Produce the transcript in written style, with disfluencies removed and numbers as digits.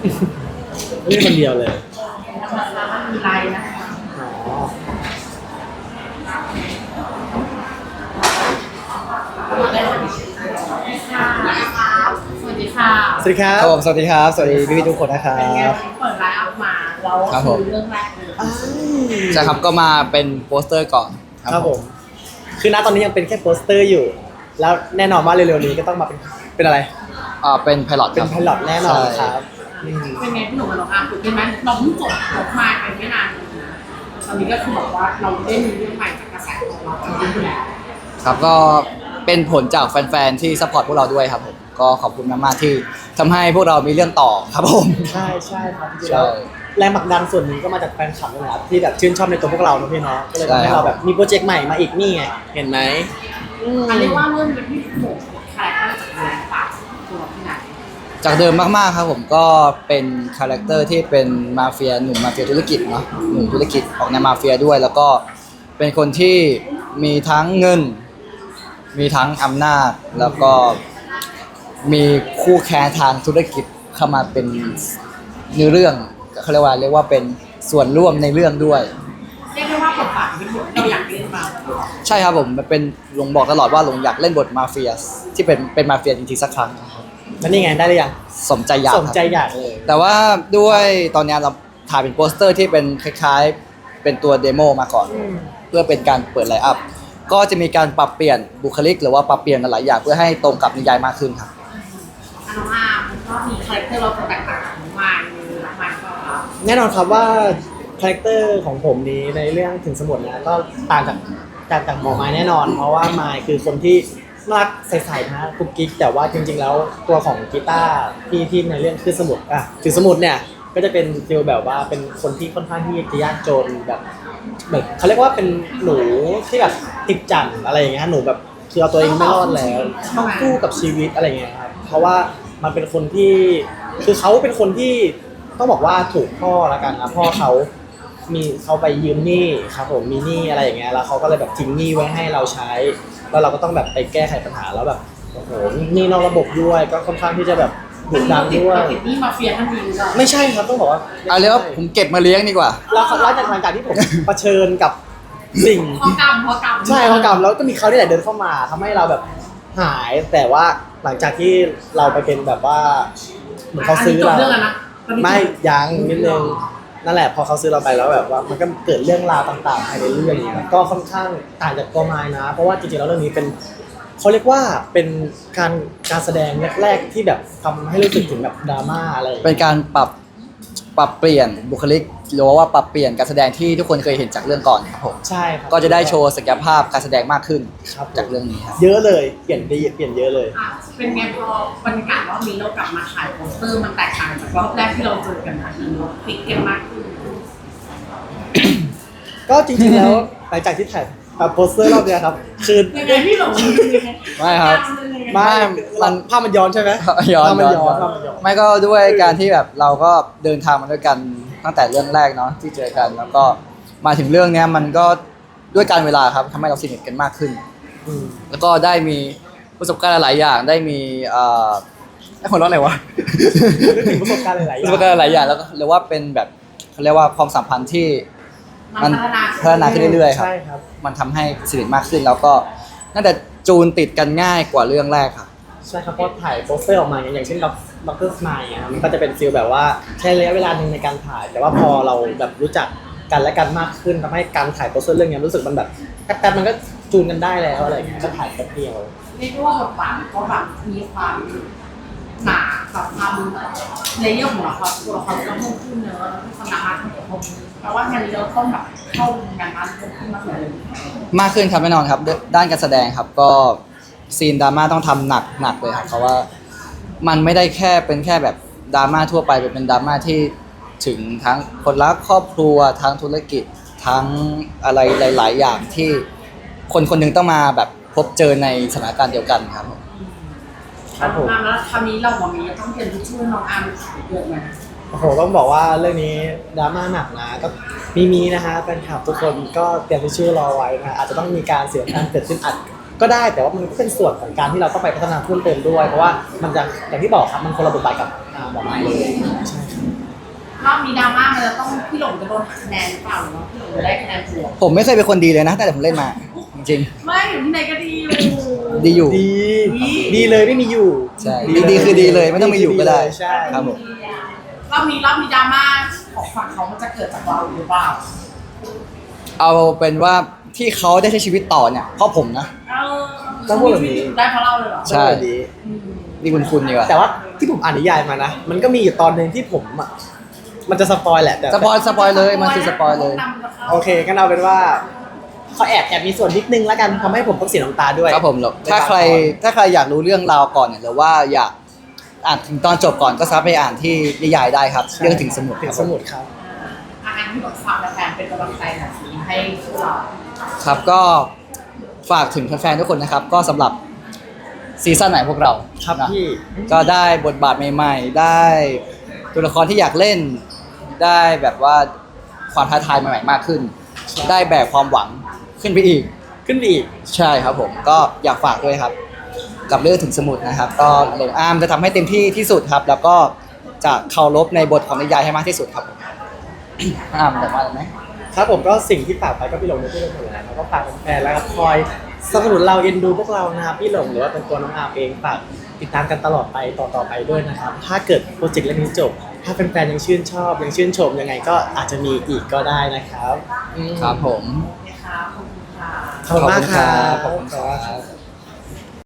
เล่นคนเดียวเลยนะคะมันมีไลน์นะคะอ๋อสวัสดีค่ะสวัสดีครับครับผมสวัสดีครับสวัสดีพี่ๆทุกคนนะครัเป็นไงบเปิดไลน์อัพมาแล้วคือเรื่องแรกเลยใช่ครับก็มาเป็นโปสเตอร์ก่อนครับผม คือณตอนนี้ยังเป็นแค่โปสเตอร์อยู่ แล้วแน่นอนว่าเร็วๆนี้ก็ต้องมาเป็นอะไรเป็นไพลอตเป็นไพลอตแน่นอนครับอืมเป็นไงพี่หนุ่มกับน้องอาร์มตื่นเต้นไหมเราเพิ่งจบมาเป็นไม่นานตอนนี้ก็คือบอกว่าเราได้มีเรื่องใหม่จากกระแสของเราจริงๆแล้วครับก็เป็นผลจากแฟนๆที่ซัพพอร์ตพวกเราด้วยครับผมก็ขอบคุณมากๆที่ทำให้พวกเรามีเรื่องต่อครับผมใช่ใช่ครับจริงๆใช่แล้วแรงผลักดันส่วนหนึ่งก็มาจากแฟนคลับนี่แหละครับที่แบบชื่นชอบในตัวพวกเราเนอะพี่เนาะก็เลยทำใช่ให้ครับเราแบบมีโปรเจกต์ใหม่มาอีกนี่ไงเห็นไหมอันเรียกว่าเริ่มเป็นที่หนุ่มคาแรคเตอร์จากแรงปากตัวที่ไหนจากเดิมมากๆครับผมก็เป็นคาแรคเตอร์ที่เป็นมาเฟียหนุ่มมาเฟียธุรกิจเนาะหนุ่มธุรกิจออกแนวมาเฟียด้วย แล้วก็เป็นคนที่มีทั้งเงิน มีทั้งอำนาจแล้วก็มีคู่แข่งทางธุรกิจเข้ามาเป็นเนื้อเรื่องเขาเรียกว่าเป็นส่วนร่วมในเรื่องด้วยเรียกได้ว่าบทบาทเป็นบทเราอยากเล่นมาใช่ครับผมมันเป็นหลงบอกตลอดว่าหลงอยากเล่นบทมาเฟียที่เป็นมาเฟียจริงๆสักครั้งนะครับแล้วนี่ไงได้หรือยังสมใจอยากสคมรับใจอยากเลยแต่ว่าด้วยตอนนี้เราถ่ายเป็นโปสเตอร์ที่เป็นคล้ายๆเป็นตัวเดโมมาก่อน เพื่อเป็นการเปิดไลน์อัพก็จะมีการปรับเปลี่ยนบุคลิก หรือว่าปรับเปลี่ยนหลายอย่างเพื่อให้ตรงกับนิยายมากขึ้นครับน้องอาร์มก็มีคาแรคเตอร์เราแตกต่างจากน้องมายในรักมันก็แน่นอนครับว่าคาแรคเตอร์ของผมนี้ในเรื่องถึงสมุดนะก็ต่างจากหมอไม้แน่นอน เพราะว่าไม้คือคนที่น่ารักใสๆนะกุ๊กกิ๊กแต่ว่าจริงๆแล้วตัวของกีตาร์ที่ในเรื่องคือสมุดถึงสมุดเนี่ยก็จะเป็นฟีลแบบว่าเป็นคนที่ค่อนข้างที่จะยากจนแบบเขาเรียกว่าเป็นหนูที่แบบติดจั่นอะไรอย่างเงี้ยหนูแบบคือเอาตัวเองไม่รอดแล้วต้องสู้กับชีวิตอะไรอย่างเงี้ยครับเพราะว่ามันเป็นคนที่คือเขาเป็นคนที่ต้องบอกว่าถูกพ่อละกันนะพ่อเขาไปยืมหนี้ครับผมมีหนี้อะไรอย่างเงี้ยแล้วเขาก็เลยแบบทิ้งหนี้ไว้ให้เราใช้ แล้วเราก็ต้องแบบไปแก้ไขปัญหาแล้วแบบโอ้โหหนี้นอกระบบด้วยก็ค่อนข้างที่จะแบบดุดันด้วยเราติดนี่มาเฟียท่านนี้หรือเปล่าไม่ใช่ครับต้องบอกว่าเอาเรียกว่าผมเก็บมาเลี้ยงดีกว่าแล้วหลังจากที่ผม เผชิญกับสิ่งพอกรรมใช่พอกรรมแล้วก็มีเขาที่ไหนเดินเข้ามาทำให้เราแบบหายแต่ว่าหลังจากที่เราไปเป็นแบบว่าเหมือนเขาซื้อเราเรื่องแล้วนะไม่ยังนิดนึงนั่นแหละพอเขาซื้อเราไปแล้วแบบว่ามันก็เกิดเรื่องราวต่างๆภายในเรื่องนี้ยก็ค่อนข้างต่างจากตัวไม้นะ เพราะว่าจริงๆแล้วเรื่องนี้เป็นเขาเรียกว่าเป็นการแสดงแรกๆที่แบบทำให้รู้สึกถึงแบบดราม่าอะไรอย่างเป็เงี้ยนการปรับเปลี่ยนบุคลิกหรือว่าปรับเปลี่ยนการแสดงที่ทุกคนเคยเห็นจากเรื่องก่อนครับผมใช่ครับก็จะได้โชว์ศักยภาพการแสดงมากขึ้นครับจากเรื่องนี้ครับเยอะเลยเปลี่ยนดีเปลี่ยนเยอะเลยเป็นไงพอบรรยากาศรอบนี้เรากลับมาถ่ายโปสเตอร์มันแตกต่างจากรอบแรกที่เราเจอกันนะเราติดกันมากขึ้นก็จริงๆแล้วหลังจากที่ถ่ายโปสเตอร์รอบเนี้ยครับคือยังไงพี่หลงไม่ครับไม่มันภาพมันย้อนใช่ไหมย้อนภาพมันย้อนภาพมันย้อนไม่ก็ด้วยการที่แบบเราก็เดินทางมาด้วยกันตั้งแต่เรื่องแรกเนาะที่เจอกัน แล้วก็มาถึงเรื่องเนี้ยมันก็ด้วยการเวลาครับทำให้เราสนิทกันมากขึ้นอืมแล้วก็ได้มีประสบการณ์หลายอย่างได้มีไอ้คนร้อนอะไรวะนึกถึงประสบการณ์หลายๆอประย่าสงบการณ์หลายอย่างแล้วก็เรียกว่าเป็นแบบเขาเรียกว่าความสัมพันธ์ที่มันพัฒนาขึ้นเรื่อยๆครับใช่ครับมันทำให้สนิทมากขึ้นแล้วก็น่าจะจูนติดกันง่ายกว่าเรื่องแรกครับใช่ครับเพราะถ่ายโปสเตอร์ออกมาอย่างเช่นด็อกเตอร์สไมล์มันก็จะเป็นฟีลแบบว่าใช้ระยะเวลาหนึ่งในการถ่าย แต่ว่าพอเราแบบรู้จักกันและกันมากขึ้นทำให้การถ่ายโปสเตอร์เรื่องนี้รู้สึกมันแบบแป๊บๆมันก็จูนกันได้แล้วอะไรอย่างเงี้ยก็ถ่ายแป๊บเดียวเรียกได้ว่าบทบาทเขาแบบมีความหนาแบบความเลเยอร์ของเราครับตัวละครก็เพิ่มขึ้นเนอะแล้วก็ความหนามากขึ้นผมแปลว่างานนี้เราต้องแบบเข้างานบ้านเพิ่มขึ้นมากเลยมากขึ้นครับแน่นอนครับด้านการแสดงครับก็ซีนดราม่าต้องทำหนักเลยครับเพราะว่ามันไม่ได้แค่เป็นแค่แบบดราม่าทั่วไปเป็นดราม่าที่ถึงทั้งคนรักครอบครัวทั้งธุรกิจทั้งอะไรหลาย ๆ อย่างที่คนคนหนึงต้องมาแบบพบเจอในสถานการณ์เดียวกันครับผมครับผมแล้วคราวนี้เราหมอมีต้องเตรียมทิชชู่น้องอาร์มเยอะไหมโอ้โหต้องบอกว่าเรื่องนี้ดราม่าหนักนะก็มีนะฮะแฟนคลับทุกคนก็เตรียมทิชชู่รอไว้นะอาจจะต้องมีการเสียการเกิดขึ้นอัดก็ได้แต่ว่ามันก็เป็นส่วนของการที่เราต้องไปพัฒนาเพิ่มเติมด้วยเพราะว่ามันจะอย่างที่บอกครับมันคนละบทบาทกับหมอไม้เลยใช่ครับรอบนี้ดราม่ามันจะต้องพี่หลงจะโดนหักคะแนนหรือเปล่าหรือว่าพี่หลงจะได้คะแนนบวกผมไม่เคยเป็นคนดีเลยนะตั้งแต่ผมเล่นมาจริงไม่อยู่ที่ไหนก็ดีอยู่ๆดีอยู่ดีดีเลยไม่มีอยู่ใช่ดีคือดีเลยไม่ต้องมีอยู่ก็ได้ใช่ครับผมรอบนี้ดราม่าของฝั่งเขามันจะเกิดจากเราหรือเปล่าเอาเป็นว่าที่เขาได้ใช้ชีวิตต่อเนี่ยเพราะผมนะต้องพูดแบบนี้ได้เพราะเราเลยเหรอใช่ดีนี่คุณดีกว่าแต่ว่าที่ผมอ่านนิยายมานะ มันก็มีอยู่ตอนหนึ่งที่ผมอ่ะมันจะสปอยแหละแต่สปอยเลยมันคือสปอยเลยโอเคก็เอาเป็นว่าเขาแอบมีส่วนนิดนึงแล้วกันทำให้ผมต้องเสียน้ำตาด้วยครับผมหรอกถ้าใครอยากรู้เรื่องราวก่อนเนี่ยหรือว่าอยากอ่านถึงตอนจบก่อนก็สามารถไปอ่านที่นิยายได้ครับเรื่องถึงสมุดถึคงรับสผมมุดครับอาหารที่แบบฝากแฟนๆเป็นกำลังใจหน่อยสิให้พวกเราครับก็ฝากถึงแฟนๆทุกคนนะครับ ก็สำหรับซีซั่นไหนพวกเราครับนะพี่ก็ได้บทบาทใหม่ๆ ได้ตัวละครที่อยากเล่น ได้แบบว่าความท้าทายใหม่ๆมากขึ้น ได้แบกความหวังขึ้นไปอีกขึ้นไปอีกใช่ครับผมก็อยากฝากด้วยครับ กับเรื่องถึงสมุดนะครับ ก็หลงอามจะทำให้เต็มที่ที่สุดครับ แล้วก็จะเคารพในบทของนิยายให้มากที่สุดครับผม อามแต่ว่าอะไรไหมครับผมก็สิ่งที่ฝากไปก็พี่หลงในที่เราหมดแล้วแล้วก็ฝากแฟนๆแล้วก็คอยสนับสนุนเราเอ็นดูพวกเรานะครับพี่หลงหรือว่าเป็นตัวน้องอาร์มเองฝากติดตามกันตลอดไปต่อไปด้วยนะครับถ้าเกิดโปรเจกต์เรื่องนี้จบ ถ้าแฟนๆยังชื่นชอบยังชื่นชมยังไงก็อาจจะมีอีกก็ได้นะครับครับผมนะคะขอบคุณค่ะขอบคุณมากครับขอบคุณครับ